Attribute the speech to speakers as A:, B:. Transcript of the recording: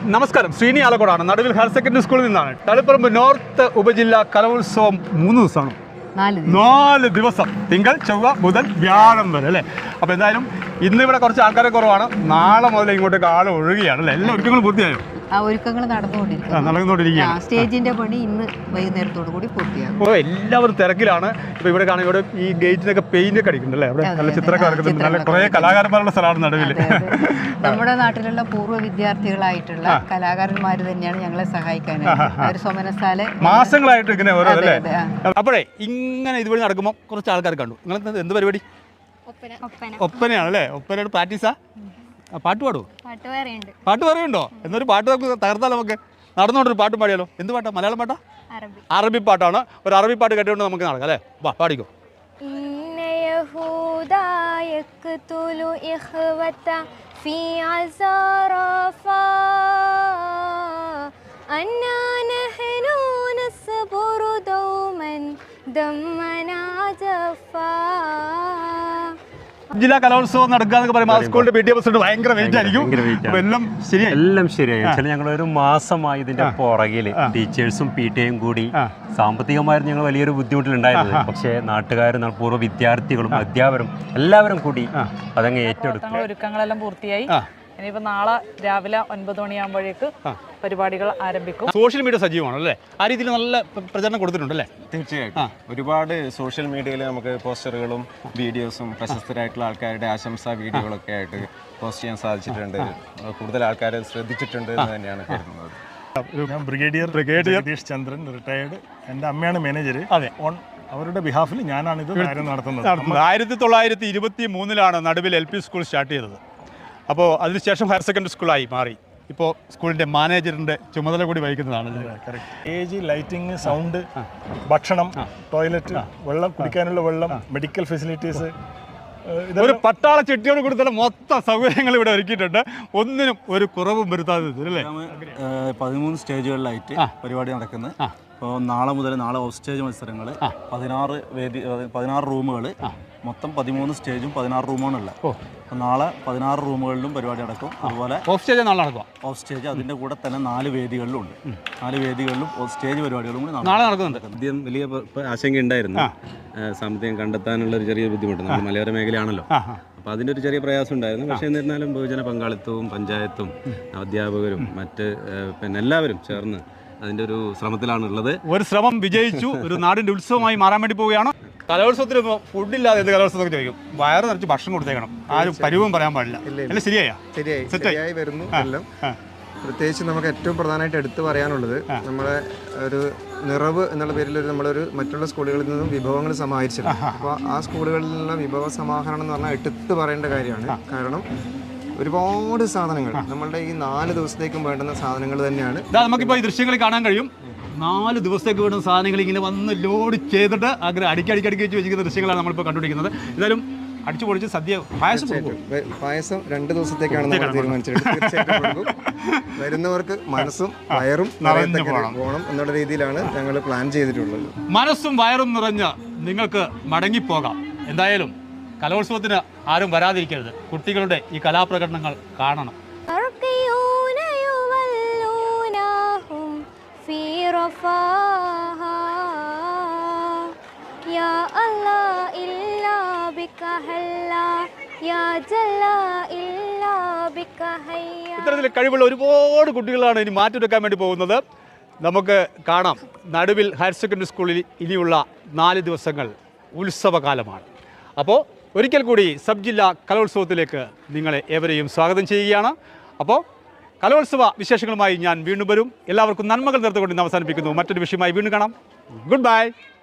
A: നമസ്കാരം, ശ്രീനി ആലക്കോടാണ്. നടുവിൽ higher secondary സ്കൂളിൽ നിന്നാണ്. തളിപ്പറമ്പ് നോർത്ത് ഉപജില്ലാ കലോത്സവം 3 ദിവസമാണ്. 4 ദിവസം, തിങ്കൾ, ചൊവ്വ, ബുധൻ, വ്യാഴം വരെ അല്ലേ. അപ്പോൾ എന്തായാലും ഇന്നിവിടെ കുറച്ച് ആൾക്കാരെ കുറവാണ്. നാളെ മുതൽ ഇങ്ങോട്ടേക്ക് ആൾ ഒഴുകുകയാണ് അല്ലേ. എല്ലാ ഒരുക്കങ്ങളും പൂർത്തിയായോ?
B: ഒരുക്കങ്ങൾ നടന്നുകൊണ്ടിരിക്കുകയാണ്. സ്റ്റേജിന്റെ പണി ഇന്ന് വൈകുന്നേരത്തോടു കൂടി പൂർത്തിയാകും.
A: ഓ, എല്ലാവരും തിരക്കിലാണ്. ഇപ്പോൾ ഇവിടെ കാണുമ്പോൾ ഇവിടെ ഈ ഗേറ്റിനൊക്കെ പെയിന്റ് ഒക്കെ അടിക്കുന്നുണ്ട് അല്ലേ. അവിടെ നല്ല ചിത്രമൊക്കെ വരക്കുന്നുണ്ട്. നല്ല കുറേ കലാകാരന്മാരുടെ സ്ഥലമാണ് നടുവിൽ.
B: നമ്മുടെ നാട്ടിലുള്ള പൂർവ്വ വിദ്യാർത്ഥികളായിട്ടുള്ള കലാകാരന്മാർ തന്നെയാണ് ഞങ്ങളെ സഹായിക്കാനായിട്ട് ഒരു സോമനസാല
A: മാസങ്ങളായിട്ട് ഇങ്ങനെ ഓരോ അല്ലേ. അപ്പോഴേ ഇങ്ങനെ ഇതുവഴി നടക്കുമ്പോൾ കുറച്ച് ആൾക്കാർ കണ്ടു. നിങ്ങൾ എന്ത് പരിപാടി? ഒപ്പനയാണ് അല്ലേ. ഒപ്പനയുടെ പ്രാക്ടീസാ? പാട്ട് പാടുമോ? പാട്ട് പറയുന്നുണ്ടോ? എന്നൊരു പാട്ട് നമുക്ക് തകർത്താൽ നമുക്ക് നടന്നുകൊണ്ടൊരു പാട്ടും പാടിയാലോ. എന്ത് പാട്ടാ? മലയാളം പാട്ടാ? അറബി പാട്ടാണ്. ഒരു അറബി പാട്ട് കേട്ടുകൊണ്ട് നമുക്ക് നടക്കാം അല്ലേ. വാ, പാടിക്കോ. ജില്ലാ കലോത്സവം നടക്കുക എന്നൊക്കെ പറയുമ്പോൾ സ്കൂളിന്റെ പി ടി എ പ്രസിഡന്റ് ഭയങ്കര വെയിറ്റ് ആയിരിക്കും.
C: എല്ലാം ശരിയായി. ഞങ്ങൾ ഒരു മാസമായി ഇതിന്റെ പുറകില് ടീച്ചേഴ്സും പി ടി എയും കൂടി സാമ്പത്തികമായിരുന്നു ഞങ്ങൾ വലിയൊരു ബുദ്ധിമുട്ടിലുണ്ടായിരുന്നത്. പക്ഷേ നാട്ടുകാരും പൂർവ്വ വിദ്യാർത്ഥികളും അധ്യാപകരും എല്ലാവരും കൂടി അതങ്ങ് ഏറ്റെടുത്തു.
D: ഒരുക്കങ്ങളെല്ലാം പൂർത്തിയായി. ഇനിയിപ്പോൾ നാളെ രാവിലെ 9 മണിയാകുമ്പോഴേക്ക് പരിപാടികൾ ആരംഭിക്കും.
A: സോഷ്യൽ മീഡിയ സജീവമാണ് അല്ലേ. ആ രീതിയിൽ നല്ല പ്രചരണം കൊടുത്തിട്ടുണ്ടല്ലേ.
E: തീർച്ചയായിട്ടും ഒരുപാട് സോഷ്യൽ മീഡിയയിൽ നമുക്ക് പോസ്റ്ററുകളും വീഡിയോസും പ്രശസ്തരായിട്ടുള്ള ആൾക്കാരുടെ ആശംസാ വീഡിയോകളൊക്കെ ആയിട്ട് പോസ്റ്റ് ചെയ്യാൻ സാധിച്ചിട്ടുണ്ട്. കൂടുതൽ ആൾക്കാരെ ശ്രദ്ധിച്ചിട്ടുണ്ട് എന്ന് തന്നെയാണ് കരുതുന്നത്.
F: ഞാൻ ബ്രിഗേഡിയർ ജഗദീഷ് ചന്ദ്രൻ, റിട്ടയേർഡ്. എൻ്റെ അമ്മയാണ് മാനേജർ.
A: അതെ,
F: അവരുടെ ബിഹാഫിൽ ഞാനാണ് ഇത് കാര്യം നടത്തുന്നത്.
A: 1923 നടുവിൽ LP സ്കൂൾ സ്റ്റാർട്ട് ചെയ്തത്. അപ്പോൾ അതിനുശേഷം ഹയർ സെക്കൻഡറി സ്കൂളായി മാറി. ഇപ്പോൾ സ്കൂളിൻ്റെ മാനേജറിൻ്റെ ചുമതല കൂടി വഹിക്കുന്നതാണ്.
F: സ്റ്റേജ്, ലൈറ്റിംഗ്, സൗണ്ട്, ഭക്ഷണം, ടോയ്ലറ്റ്, വെള്ളം, കുടിക്കാനുള്ള വെള്ളം, മെഡിക്കൽ ഫെസിലിറ്റീസ്,
A: ഒരു പട്ടാള ചിട്ടിയോട് കൊടുത്തുള്ള മൊത്തം സൗകര്യങ്ങൾ ഇവിടെ ഒരുക്കിയിട്ടുണ്ട്. ഒന്നിനും ഒരു കുറവും വരുത്താതെ അല്ലേ.
G: 13 സ്റ്റേജുകളിലായിട്ട് പരിപാടി നടക്കുന്നത്. അപ്പോൾ നാളെ ഓഫ് സ്റ്റേജ് മത്സരങ്ങൾ, 16 റൂമുകൾ, മൊത്തം 13 സ്റ്റേജും 16 റൂമാണുള്ളത്. അപ്പോൾ നാളെ 16 റൂമുകളിലും പരിപാടി നടക്കും. അതുപോലെ
A: ഓഫ് സ്റ്റേജ് നാളെ നടക്കും.
G: ഓഫ് സ്റ്റേജ് അതിൻ്റെ കൂടെ തന്നെ 4 വേദികളിലും ഉണ്ട്. 4 വേദികളിലും ഓഫ് സ്റ്റേജ് പരിപാടികളും കൂടി
A: നാളെ നടക്കുന്നുണ്ട്.
C: ആദ്യം വലിയ ആശങ്ക ഉണ്ടായിരുന്നു. സാമ്പത്തികം കണ്ടെത്താനുള്ള ഒരു ചെറിയ ബുദ്ധിമുട്ട്. നമ്മൾ മലയോര മേഖലയാണല്ലോ. അപ്പോൾ അതിൻ്റെ ഒരു ചെറിയ പ്രയാസം ഉണ്ടായിരുന്നു. പക്ഷേ എന്നിരുന്നാലും ബഹുജന പങ്കാളിത്തവും പഞ്ചായത്തും അധ്യാപകരും മറ്റ് എല്ലാവരും ചേർന്ന് അതിൻ്റെ ഒരു ശ്രമത്തിലാണുള്ളത്.
A: ഒരു ശ്രമം വിജയിച്ചു. ഒരു നാടിൻ്റെ ഉത്സവമായി മാറാൻ വേണ്ടി പോവുകയാണ്. കലോത്സവത്തിന് ഫുഡില്ലാതെ എന്ത് കലോത്സവം ചോദിക്കും. വയറ് നിറച്ച് ഭക്ഷണം കൊടുത്തേക്കണം. ആരും പരിവും പറയാൻ പാടില്ല. അല്ല,
H: ശരിയായി വരുന്നു എല്ലാം. പ്രത്യേകിച്ച് നമുക്ക് ഏറ്റവും പ്രധാനമായിട്ട് എടുത്തു പറയാനുള്ളത് നമ്മളെ ഒരു നിറവ് എന്നുള്ള പേരിൽ നമ്മളൊരു മറ്റുള്ള സ്കൂളുകളിൽ നിന്നും വിഭവങ്ങൾ സമാഹരിച്ചിട്ടുണ്ട്. അപ്പോൾ ആ സ്കൂളുകളിൽ നിന്നുള്ള വിഭവ സമാഹരണം എന്ന് പറഞ്ഞാൽ എടുത്തു പറയേണ്ട കാര്യമാണ്. കാരണം ഒരുപാട് സാധനങ്ങൾ നമ്മളുടെ ഈ 4 ദിവസത്തേക്കും വേണ്ടുന്ന സാധനങ്ങൾ തന്നെയാണ്.
A: നമുക്കിപ്പോൾ ഈ ദൃശ്യങ്ങളിൽ കാണാൻ കഴിയും. 4 ദിവസത്തേക്ക് വേണ്ടുന്ന സാധനങ്ങൾ ഇങ്ങനെ വന്ന് ലോഡ് ചെയ്തിട്ട് അടുക്കി വെച്ച് വെച്ചിരിക്കുന്ന ദൃശ്യങ്ങളാണ് നമ്മളിപ്പോൾ കണ്ടുപിടിക്കുന്നത്. എന്തായാലും അടിച്ചു പൊളിച്ച് സദ്യ
H: പായസം 2 ദിവസത്തേക്കാണ് നമ്മൾ തീരുമാനിച്ചത്. തീർച്ചയായിട്ടും വരുന്നവർക്ക് മനസ്സും വയറും പോകണം എന്നുള്ള രീതിയിലാണ് ഞങ്ങൾ പ്ലാൻ ചെയ്തിട്ടുള്ളത്.
A: മനസ്സും വയറും നിറഞ്ഞ് നിങ്ങൾക്ക് മടങ്ങിപ്പോകാം. എന്തായാലും കലോത്സവത്തിന് ആരും വരാതിരിക്കരുത്. കുട്ടികളുടെ ഈ കലാപ്രകടനങ്ങൾ കാണണം. ഇത്തരത്തിൽ കഴിവുള്ള ഒരുപാട് കുട്ടികളാണ് ഇനി മാറ്റിവെക്കാൻ വേണ്ടി പോകുന്നത്. നമുക്ക് കാണാം. നടുവിൽ ഹയർ സെക്കൻഡറി സ്കൂളിൽ ഇനിയുള്ള 4 ദിവസങ്ങൾ ഉത്സവകാലമാണ്. അപ്പോൾ ഒരിക്കൽ കൂടി സബ് ജില്ലാ കലോത്സവത്തിലേക്ക് നിങ്ങളെ ഏവരെയും സ്വാഗതം ചെയ്യുകയാണ്. അപ്പോൾ കലോത്സവ വിശേഷങ്ങളുമായി ഞാൻ വീണ്ടും വരും. എല്ലാവർക്കും നന്മകൾ നേർന്നുകൊണ്ട് ഇന്ന് അവസാനിപ്പിക്കുന്നു. മറ്റൊരു വിഷയമായി വീണ്ടും കാണാം. Good bye.